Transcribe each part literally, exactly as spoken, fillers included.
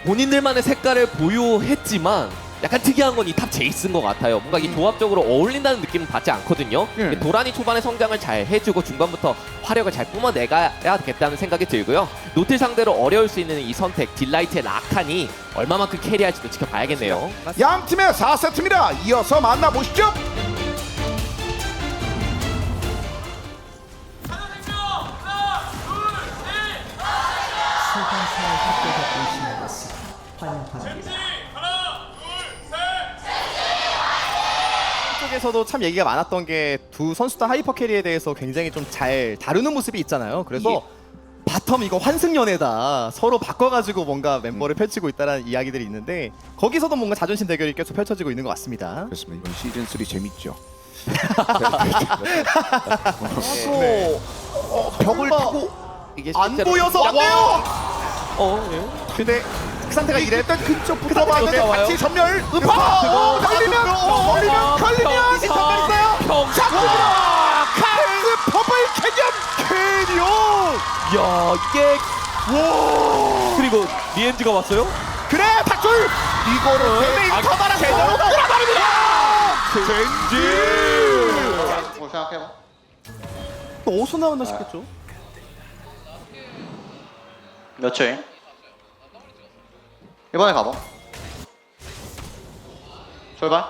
본인들만의 색깔을 보유했지만 약간 특이한 건 이 탑 제이스인 것 같아요. 뭔가 이 조합적으로 어울린다는 느낌은 받지 않거든요. 예. 도란이 초반에 성장을 잘 해주고 중반부터 화력을 잘 뿜어내야겠다는 생각이 들고요. 노틸 상대로 어려울 수 있는 이 선택, 딜라이트의 라칸이 얼마만큼 캐리할지도 지켜봐야겠네요. 양 팀의 사 세트입니다. 이어서 만나보시죠. 소방차에 합격해 오신 것을 환영합니다. 쪽에서도 참 얘기가 많았던 게 두 선수 다 하이퍼 캐리에 대해서 굉장히 좀 잘 다루는 모습이 있잖아요. 그래서 바텀 이거 환승연애다. 서로 바꿔가지고 뭔가 멤버를 펼치고 있다는 이야기들이 있는데 거기서도 뭔가 자존심 대결이 계속 펼쳐지고 있는 것 같습니다. 그렇습니다. 이번 시즌 삼 재밌죠. 네. 어, 벽을 타고 이게 안 실제로- 보여서 안 와! 돼요. 어, 예. 근데 그 상태가 이래. 일단 근접부터 상태가 봤는데 어때요? 같이 전멸. 아, 음파. 그거, 걸리면 그거, 걸리면 그거, 걸리면 이제 선발 있어요. 평. 잡습니다. 카이스 퍼플 캐년. 캐리온. 야, 이게 와. 그리고 리엔즈가 왔어요? 그래 탁줄. 이거를 대메인 아, 커버랑 제대로 제대로 끌어버립니다. 젠지. 뭐 생각해봐. 또 어디서 나왔나 싶겠죠. 몇 초임? 이번에 가봐. 출발.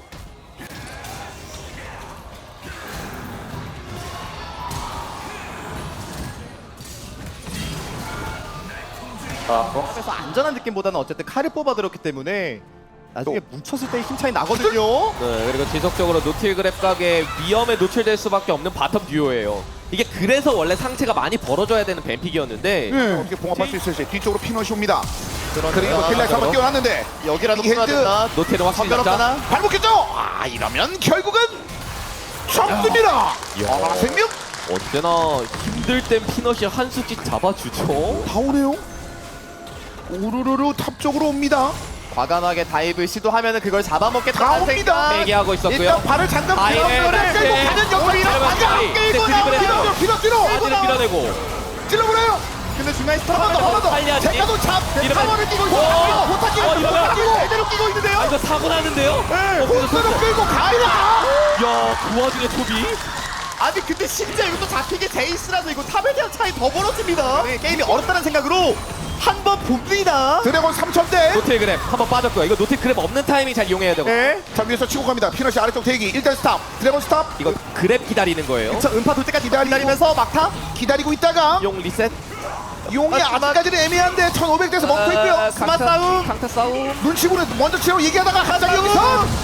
아, 어? 그래서 안전한 느낌보다는 어쨌든 칼을 뽑아들었기 때문에 나중에 뭉쳤을 때 힘 차이 나거든요. 네, 그리고 지속적으로 노틸 그랩 각의 위험에 노출될 수밖에 없는 바텀 듀오예요. 이게 그래서 원래 상체가 많이 벌어져야 되는 뱀픽이었는데 네. 어떻게 봉합할 수 있을지 뒤쪽으로 피넛이 옵니다. 그리고 그러니까 딜라이트 한번 뛰어났는데 여기라도 이 헤드. 풀어야 노틸은 확실히 잡자. 선별없잖아. 발목 꼈죠? 아 이러면 결국은 접습니다. 아 생명 언제나 힘들 땐 피넛이 한 수씩 잡아주죠. 다 오네요. 우르르르 탑 쪽으로 옵니다. 과감하게 다이브 시도하면은 그걸 다 잡아먹겠다는 옵니다. 생각. 빼게 하고 있었고요. 일단 발을 잠깐 아예 들어서를 네. 끌고 가는 역할이 네. 맞아. 네. 끌고 네. 나와. 네. 피넛 피넛 뒤로. 바지를 밀어내고 찔러보래요. 근데 중간에 스톱 한번 더, 한번 더. 빨리하지. 제가도 잡. 이러면- 타워를 끼고 있어. 오! 호타 끼고 어, 있어. 이러면- 호타 끼고 제대로 끼고 있는데요. 아, 이거 사고 나는데요? 네, 어, 그래서 호타를 끌고 갑니다. 야, 그 와중에 초비. 아니 근데 심지어 이것도 잡히게 제이스라서 이거 탑에 대한 차이 더 벌어집니다. 네, 게임이 어렵다는 생각으로 한 번 봅니다. 드래곤 삼천 대. 노틸 그랩 한번 빠졌고요. 이거 노틸 그랩 없는 타이밍 잘 이용해야 되고. 네. 자 위에서 치고 갑니다. 피넛이 아래쪽 대기. 일단 스탑. 드래곤 스탑. 이거 그랩 기다리는 거예요. 저 음파 돌 때까지 기다리고- 기다리면서 막타. 기다리고 있다가 용 리셋. 용이 아, 아직까지는 애매한데 천오백 대에서 멈춰 있고요. 아, 스마 강타- 싸움. 강타 싸움. 눈치고는 먼저 치려고 얘기하다가 갑자기 여기서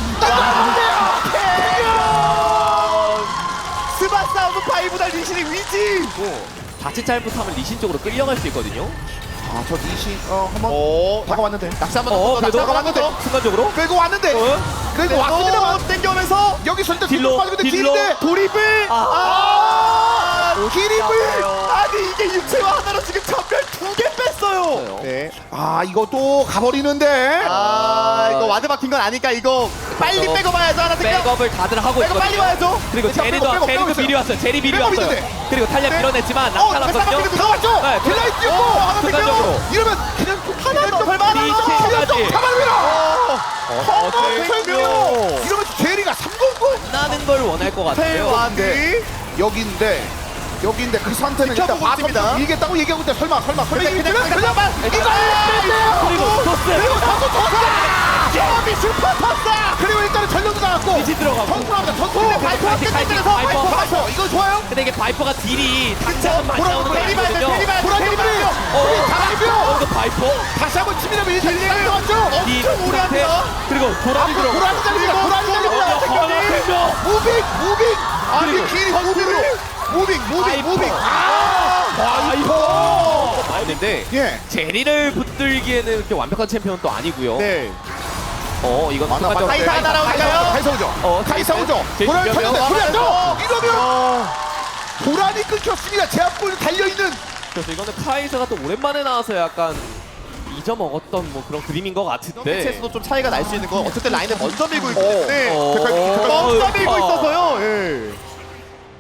스마 싸움은 파이브달 리신의 위지. 자칫 잘못하면 리신 쪽으로 끌려갈 수 있거든요. 아저 니시 어 한번 오, 다가왔는데 낙사 한번 어, 더. 그래도 낙사 한번 더. 순간적으로. 끌고 왔는데 어? 끌고 왔습니다만 또 땡겨오면서 여기서 일단 딜로, 딜로 빠지는데 딜로. 딜인데 돌입을. 아 기립을 아니 이게 육체와 하나로 지금 전멸 두 개 뺐어요. 네. 아 이것도 가버리는데 아 이거 와드 박힌 건 아니까 이거 빨리 어, 빼고 봐야죠 하나 생각. 백업을 다들 하고 빼고 빨리 있거든요. 와야죠. 그리고 일단 제리도 빼고, 빼고, 제리도 빼고 미리 왔어요. 제리 미리 빼고 왔어요. 있는데. 그리고 탈리아 네. 밀어냈지만 어 나타났거든요. 백사각형도 들어갔죠 네, 딜라이트 뛰고 어, 하나 생겨. 생겨 이러면 그냥 하나 더 설마 하나 더. 리치까지. 잡아냅니다 어, 생명 이러면 제리가 삼공구 나는 걸 원할 것 같아요. 와드 여기인데 여기인데 그 상태는 일단 지켜보고 있습니다. 바텀 밀겠다고 얘기하고 있는데 설마 설마 설마 그냥, 이기면 그냥, 그냥 그냥, 이거 그리고 토스. 그리고 선수 토스 미 슈퍼 토스 그리고 일단은 전력도 나갔고 리치 들어가고. 전투합니다 전투 근데 바이퍼 파이팅, 파이팅, 끝내면서 파이퍼. 바이퍼 바이퍼 이거 좋아요 근데 이게 바이퍼가 딜이 당장은 많이 보라 나오는 건 보라 아니거든요. 보라 보라 어, 잡아주고요 어, 이거 바이퍼? 다시 한번 치밀하면 일단 일단 들어갔죠 딜 엄청 오래 합니다 상태. 그리고 도라지 앞으로 들어가고. 보라지 잘립니다 보라지 잘립니다 생명이. 무빙 무빙 아니 그리고 길이 무빙으로 무빙 무빙 바이퍼. 무빙 아 바이퍼 나오는데 예 제리를 붙들기에는 그렇게 완벽한 챔피언은 또 아니고요. 네. 어, 이건 맞나, 순간적으로- 맞나. 카이사 카이사, 날아오니까요. 카이사 오죠 어, 카이사 제이스. 오죠 제이스 보라를 이러면 쳤는데 그랬죠 어. 이러면 보라니 끊겼습니다 제압골 달려있는 그래서 이거는 카이사가 또 오랜만에 나와서 약간 잊어먹었던 뭐 그런 그림인 것 같은데. 매치에서도 좀 차이가 날 수 있는 건 어쨌든 라인을 먼저 밀고 있기 때문에 어, 먼저 밀고 어, 있어서요. 예.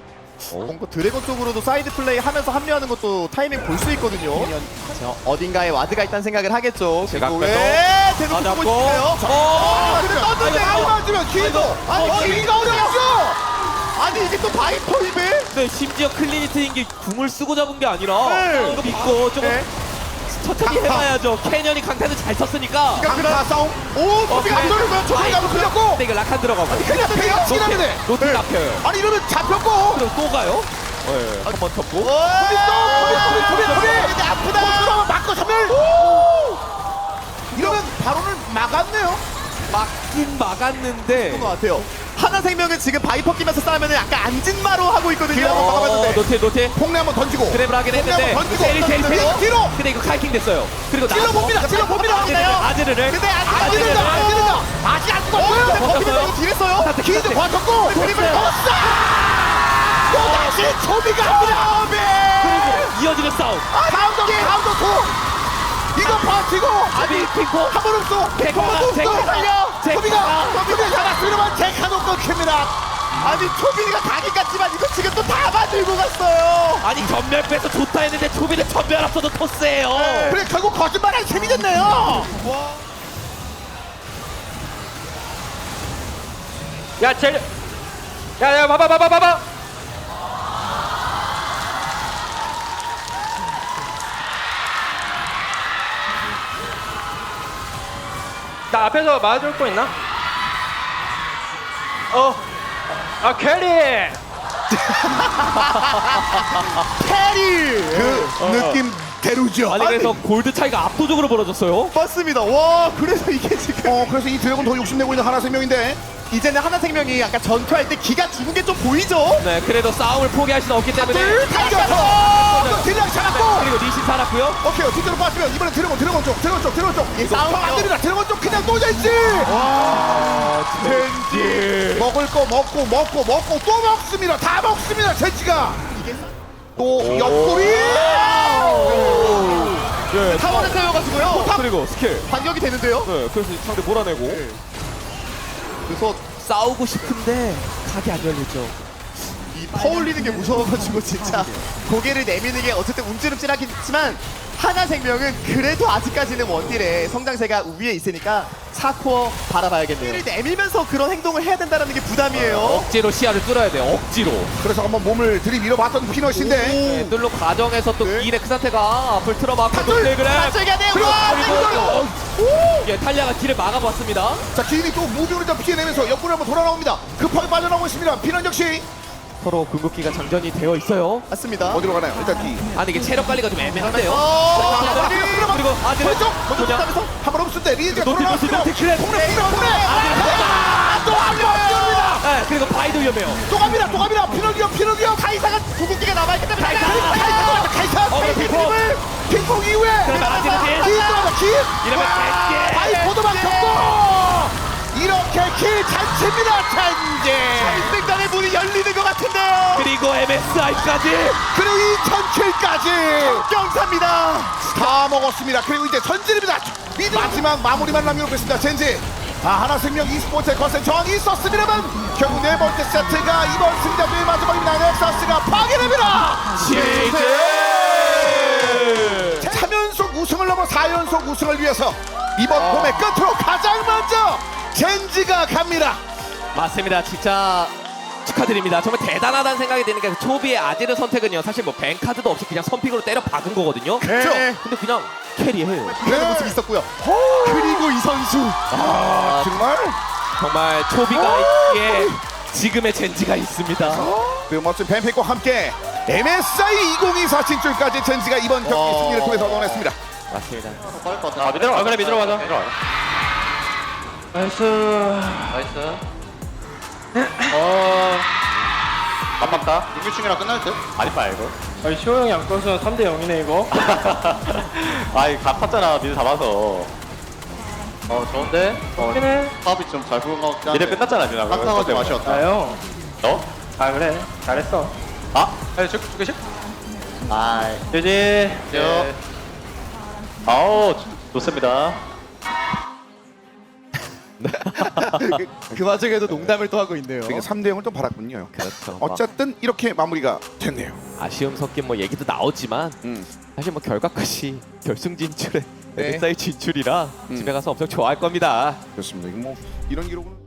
뭔가 드래곤 쪽으로도 사이드 플레이 하면서 합류하는 것도 타이밍 볼 수 있거든요. 자, 어딘가에 와드가 있다는 생각을 하겠죠. 제가 그리고 앞에서 왜 대놓고 맞았고. 보고 싶어요? 어! 근데 떴는데 안 아니, 맞으면 기회도 아니 어, 기회가 어려웠어. 아니 이게 또 바이퍼 입에 네, 심지어 클리니트인 게 궁을 쓰고 잡은 게 아니라 네. 이거 믿고 조금 네. 천천히 해봐야죠. 캐년이 강타를 잘 쳤으니까. 강타 싸움. 오, 어, 소비가 안 그래. 돌리면 저기가 아이고, 풀렸고. 근데 이거 락한 들어가고. 그냥 배가 치라는데. 노트 잡혀요. 아니 이러면 잡혔고. 그럼 또 가요? 네, 한번 쳤고. 소비 또 소비 소비 소비 소비. 근데 아프다. 그러면 맞고 전멸. 이러면 바로는 막았네요. 막긴 막았는데. 그런 것 같아요. 하나생명은 지금 바이퍼 끼면서 싸우면 약간 안진마로 하고 있거든요. 뒤로 한번 어, 막아봤는데. 노트 노트. 폭내 한번 던지고. 그랩을 하긴 폭내 했는데. 한번 던지고. 제일 제일 제일. 뒤로. 근데 이거 카이킹 됐어요. 그리고 찔러 봅니다. 찔러 봅니다. 아즈르를. 근데 아직 안 안 지른다. 되는다. 안 지른다. 아직 안 죽었어요. 버티면서 이거 딜했어요. 기도 과쳤고. 그림을 떴어. 또 다시 초비가 초비. 그리고 이어지는 싸움. 다음도 다음도 투. 이거 버티고. 아비 핑퐁. 한 번 없어. 제카가, 한 번 제카가, 없어. 살려. 제카가. 초비가 초비가 잡았으면 제카도 끊깁니다. 아니 초빈이가 가긴 갔지만 이거 지금 또 다 만들고 갔어요. 아니 전멸 빼서 좋다 했는데 초비는 전멸 앞서도 토스예요. 그래 결국 거짓말한 셈이 됐네요. 야, 젤. 야, 야, 봐봐, 봐봐, 봐봐. 나 앞에서 맞아줄 거 있나? 어. 아, 캐리. 캐리. 그 느낌 대로죠. 아니 그래서 골드 차이가 압도적으로 벌어졌어요. 맞습니다. 와 그래서 이게 지금 어 그래서 이 드래곤 더 욕심내고 있는 하나생명인데. 이제는 하나생명이 약간 전투할 때 기가 죽은 게 좀 보이죠. 네, 그래도 싸움을 포기할 수는 없기 때문에. 둘 달려서 딜량 잡았고. 그리고 니신 살았고요. 오케이 뒤로 빠지면 이번엔 드래곤 드래곤 쪽 드래곤 쪽 드래곤 쪽. 이 싸움 안 됩니다. 드래곤 쪽 그냥 놓여있지. 와 젠지 먹을 거 먹고 먹고 먹고 또 먹습니다. 다 먹습니다. 젠지가 또 옆구리. 네, 타워를 세워가지고요. 그리고 스킬. 반격이 되는데요. 네, 그래서 상대 몰아내고. 그래서 싸우고 싶은데 각이 안 열리죠. 이 퍼올리는 게 무서워가지고 진짜 고개를 내미는 게 어쨌든 움찔움찔하긴 했지만 하나생명은 그래도 아직까지는 원딜의 성장세가 위에 있으니까 사 코어 바라봐야겠네요. 고개를 내밀면서 그런 행동을 해야 된다는 게 부담이에요. 억지로 시야를 뚫어야 돼요. 억지로. 그래서 한번 몸을 들이밀어봤던 피너시인데. 네, 뚫는 과정에서 또 네. 이레 크사테가 앞을 틀어막고 탑을! 노틀 그래. 맞춰야 돼요. 그리고 와, 그리고 이거 예, 탈리아가 길을 막아봤습니다. 자 기인이 또 무빙을 좀 피해내면서 옆구리 한번 돌아 나옵니다. 급하게 빠져나오고 있습니다. 피넌 역시 서로 궁극기가 장전이 되어 있어요. 맞습니다. 어디로 가나요? 일단 기. 아니 이게 체력 관리가 좀 애매한데요. 어, 그리고 아즈르 오른쪽 먼저 그냥 붙하면서 한번 없을 때 리즈가 노트 노트 돌아왔습니다. 노트 그래. 폭내 폭내 폭내. 또한번 뛰어옵니다. 네, 그리고 바이도 위험해요. 또 갑니다. 또 갑니다. 피넌 위험 피넌 위험. 카이사가 궁극기가 남아있기 때문에 카이사 카이사 카이사 어, 카이사 핑퐁. 핑퐁을 핑퐁 이후에 그러면 아즈르 딜. 기 들어가 기. 이러면 젠지. 바이포도 막혔고 이렇게 킬 잔치입니다. 잔지. 생단의 문이 열리는 것 같은데요. 그리고 엠에스아이까지. 그리고 이천 킬까지 경사입니다. 다 먹었습니다. 그리고 이제 전진입니다. 마지막 마무리만 남겨놓고 있습니다. 젠지. 아 하나생명 e스포츠의 거센 저항이 있었습니다만 결국 네 번째 세트가 이번 승자들의 마지막입니다. 넥서스가 파괴됩니다. 시즈. 삼 연속 우승을 넘어 사 연속 우승을 위해서 이번 봄의 끝으로 가장 먼저 젠지가 갑니다. 맞습니다. 진짜 축하드립니다. 정말 대단하다는 생각이 드는 게 초비의 아지르 선택은요. 사실 뭐 뱅카드도 없이 그냥 선픽으로 때려 박은 거거든요. 그렇죠. 근데 그냥 캐리해요. 이런 모습이 있었고요. 그리고 이 선수 아 정말 정말 초비가 있기에 지금의 젠지가 있습니다. 그 멋진 뱀픽과 함께 엠에스아이 이천이십사 진출까지 젠지가 이번 경기 와. 승리를 통해서 얻어냈습니다. 맞습니다. 아, 믿으러 가. 그래, 믿으러 가자. 나이스. 나이스. 어. 맞박다. 육류충이랑 끝날 듯? 아니 말고. 아니, 시호 형이 안 꺼서 삼 대 영이네, 이거. 아이 갚았잖아 미드 잡아서. 어 좋은데? 어 그래. 사업이 좀 잘 부른 것 같긴 한데. 미드 끝났잖아 지금. 깜깜하게 맛이었다. 아, 형. 너? 아, 그래. 잘했어. 아? 아니 저 두 개씩? 아이. 유지. 네. 아우 좋- 좋습니다. 그 와중에도 농담을 또 하고 있네요. 그러니까 삼 대 영을 또 받았군요. 그렇죠. 어쨌든 이렇게 마무리가 됐네요. 아쉬움 섞인 뭐 얘기도 나오지만 음. 사실 뭐 결과까지 결승 진출에 네. 엑스아이 진출이라 음. 집에 가서 엄청 좋아할 겁니다. 그렇습니다. 이거 뭐 이런 기록은